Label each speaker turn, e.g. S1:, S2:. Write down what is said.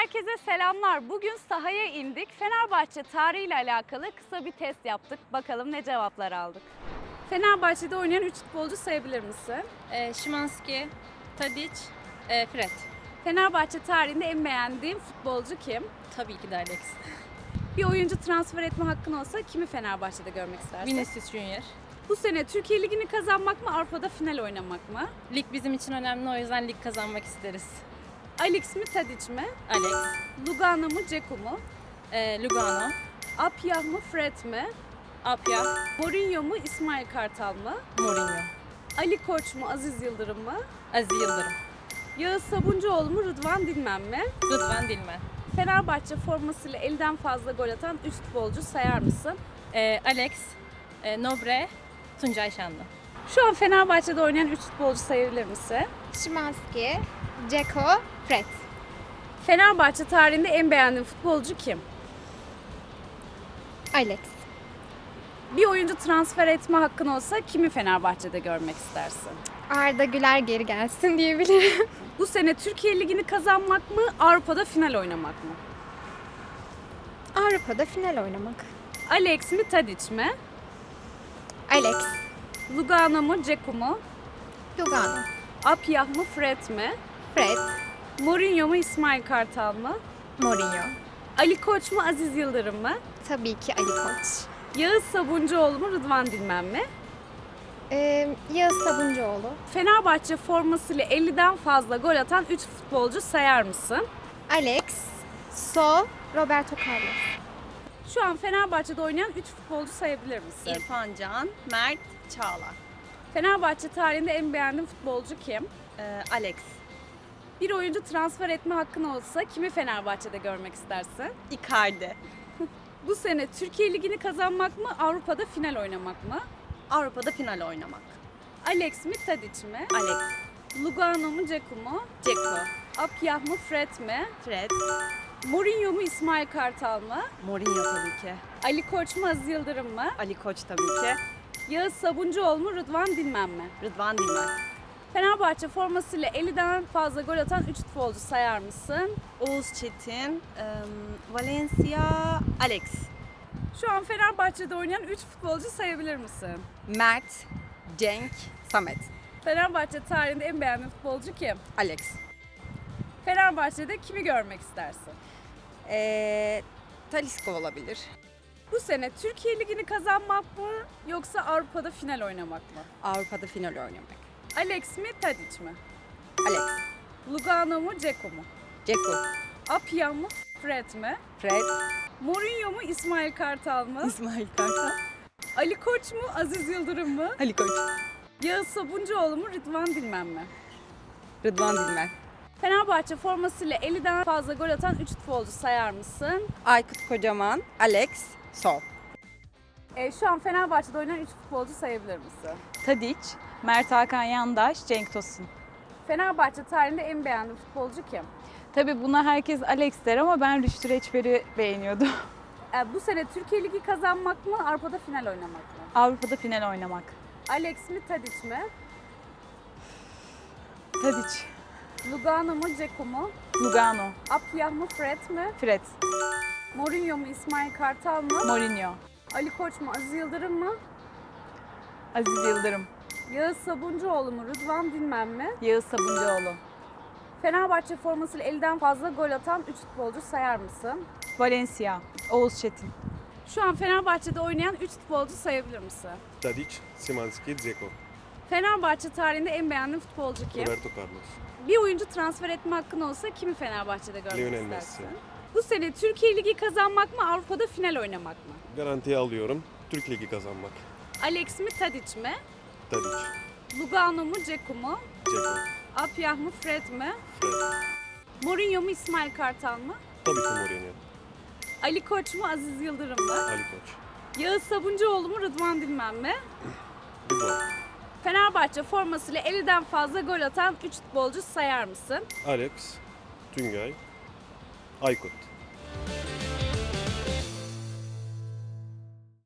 S1: Herkese selamlar. Bugün sahaya indik. Fenerbahçe tarihiyle alakalı kısa bir test yaptık. Bakalım ne cevaplar aldık. Fenerbahçe'de oynayan 3 futbolcu sayabilir misin?
S2: Szymański, Tadic, Fred.
S1: Fenerbahçe tarihinde en beğendiğin futbolcu kim?
S2: Tabii ki de Alex.
S1: Bir oyuncu transfer etme hakkın olsa kimi Fenerbahçe'de görmek istersin?
S2: Vinicius Junior.
S1: Bu sene Türkiye Ligi'ni kazanmak mı, Avrupa'da final oynamak mı?
S2: Lig bizim için önemli, o yüzden lig kazanmak isteriz.
S1: Alex mi, Tadic mi?
S2: Alex,
S1: Lugano mu, Dzeko mu?
S2: Lugano,
S1: Apyah mı, Fred mi?
S2: Apya,
S1: Mourinho mu, İsmail Kartal mı?
S2: Mourinho,
S1: Ali Koç mu, Aziz Yıldırım mı?
S2: Aziz Yıldırım,
S1: Yağız Sabuncuoğlu mu, Rıdvan Dilmen mi?
S2: Rıdvan Dilmen,
S1: Fenerbahçe formasıyla elden fazla gol atan 3 futbolcu sayar mısın?
S2: Alex, Nobre, Tuncay Şanlı.
S1: Şu an Fenerbahçe'de oynayan 3 futbolcu sayabilir misin?
S3: Szymański, Dzeko, Fred.
S1: Fenerbahçe tarihinde en beğendiğin futbolcu kim?
S3: Alex.
S1: Bir oyuncu transfer etme hakkın olsa kimi Fenerbahçe'de görmek istersin?
S3: Arda Güler geri gelsin diyebilirim.
S1: Bu sene Türkiye Ligi'ni kazanmak mı, Avrupa'da final oynamak mı?
S3: Avrupa'da final oynamak.
S1: Alex mi, Tadic mi?
S3: Alex,
S1: Lugano mu, Dzeko mu?
S3: Lugano,
S1: Apyah mı, Fred mi?
S3: Fred,
S1: Mourinho mu, İsmail Kartal mı?
S3: Mourinho.
S1: Ali Koç mu, Aziz Yıldırım mı?
S3: Tabii ki Ali Koç.
S1: Yağız Sabuncuoğlu mu, Rıdvan Dilmen mi?
S3: Yağız Sabuncuoğlu,
S1: Fenerbahçe formasıyla 50'den fazla gol atan 3 futbolcu sayar mısın?
S3: Alex, So, Roberto Carlos.
S1: Şu an Fenerbahçe'de oynayan 3 futbolcu sayabilir misin?
S2: İrfan Can, Mert, Çağlar.
S1: Fenerbahçe tarihinde en beğendiğin futbolcu kim?
S2: Alex,
S1: Bir oyuncu transfer etme hakkın olsa kimi Fenerbahçe'de görmek istersin?
S2: Icardi,
S1: Bu sene Türkiye Ligi'ni kazanmak mı, Avrupa'da final oynamak mı?
S2: Avrupa'da final oynamak.
S1: Alex mi, Tadic mi?
S2: Alex,
S1: Lugano mu, Dzeko mu?
S2: Dzeko,
S1: Apyah mı, Fred mi?
S2: Fred,
S1: Mourinho mu, İsmail Kartal mı?
S2: Mourinho tabii ki.
S1: Ali Koç mu, Aziz Yıldırım mı?
S2: Ali Koç tabii ki.
S1: Yağız Sabuncuoğlu mu, Rıdvan Dilmen mi?
S2: Rıdvan Dilmen.
S1: Fenerbahçe formasıyla 50'den fazla gol atan 3 futbolcu sayar mısın?
S2: Oğuz Çetin, Valencia, Alex,
S1: Şu an Fenerbahçe'de oynayan 3 futbolcu sayabilir misin?
S2: Mert, Cenk, Samet,
S1: Fenerbahçe tarihinde en beğendiğin futbolcu kim?
S2: Alex.
S1: Fenerbahçe'de kimi görmek istersin?
S2: Talisca olabilir.
S1: Bu sene Türkiye Ligi'ni kazanmak mı yoksa Avrupa'da final oynamak mı?
S2: Avrupa'da final oynamak.
S1: Alex mi, Tadic mi?
S2: Alex,
S1: Lugano mu, Dzeko mu?
S2: Dzeko,
S1: Apyah mı, Fred mi?
S2: Fred,
S1: Mourinho mu, İsmail Kartal mı?
S2: İsmail Kartal,
S1: Ali Koç mu, Aziz Yıldırım mı?
S2: Ali Koç,
S1: Yağız Sabuncuoğlu mu, Rıdvan Dilmen mi?
S2: Rıdvan Dilmen,
S1: Fenerbahçe formasıyla 50'den fazla gol atan 3 futbolcu sayar mısın?
S2: Aykut Kocaman, Alex, Sol,
S1: Şu an Fenerbahçe'de oynayan 3 futbolcu sayabilir misin?
S4: Tadic, Mert Hakan Yandaş, Cenk Tosun.
S1: Fenerbahçe tarihinde en beğendiğin futbolcu kim?
S4: Tabii buna herkes Alex der ama ben Rüştü Reçber'i beğeniyordum.
S1: Bu sene Türkiye Ligi kazanmak mı, Avrupa'da final oynamak mı?
S4: Avrupa'da final oynamak.
S1: Alex mi, Tadic mi?
S4: Tadic,
S1: Lugano mu, Dzeko mu?
S4: Lugano,
S1: Apyah mı, Fred mi?
S4: Fred,
S1: Mourinho mu, İsmail Kartal mı?
S4: Mourinho,
S1: Ali Koç mu, Aziz Yıldırım mı?
S4: Aziz Yıldırım,
S1: Yağız Sabuncuoğlu mu, Rıdvan Dilmen mi?
S4: Yağız Sabuncuoğlu,
S1: Fenerbahçe formasıyla 50'den fazla gol atan 3 futbolcu sayar mısın?
S4: Valencia, Oğuz Çetin.
S1: Şu an Fenerbahçe'de oynayan 3 futbolcu sayabilir misin?
S5: Tadic, Szymański, Dzeko,
S1: Fenerbahçe tarihinde en beğendiğin futbolcu kim?
S5: Roberto Carlos,
S1: Bir oyuncu transfer etme hakkın olsa kimi Fenerbahçe'de görmek
S5: Lionel
S1: istersin?
S5: Messi.
S1: Bu sene Türkiye Ligi kazanmak mı, Avrupa'da final oynamak mı?
S5: Garantiye alıyorum. Türk Ligi kazanmak.
S1: Alex mi, Tadic mi?
S5: Tadic,
S1: Lugano mu, Dzeko mu?
S5: Dzeko,
S1: Apyah mı, Fred mi?
S5: Fred,
S1: Mourinho mu, İsmail Kartal mı?
S5: tabii ki Mourinho,
S1: Ali Koç mu, Aziz Yıldırım mı?
S5: Ali Koç,
S1: Yağız Sabuncuoğlu mu, Rıdvan Dilmen mi?
S5: Rıdvan,
S1: Fenerbahçe formasıyla 50'den fazla gol atan 3 futbolcu sayar mısın?
S5: Alex, Tüngay, Aykut.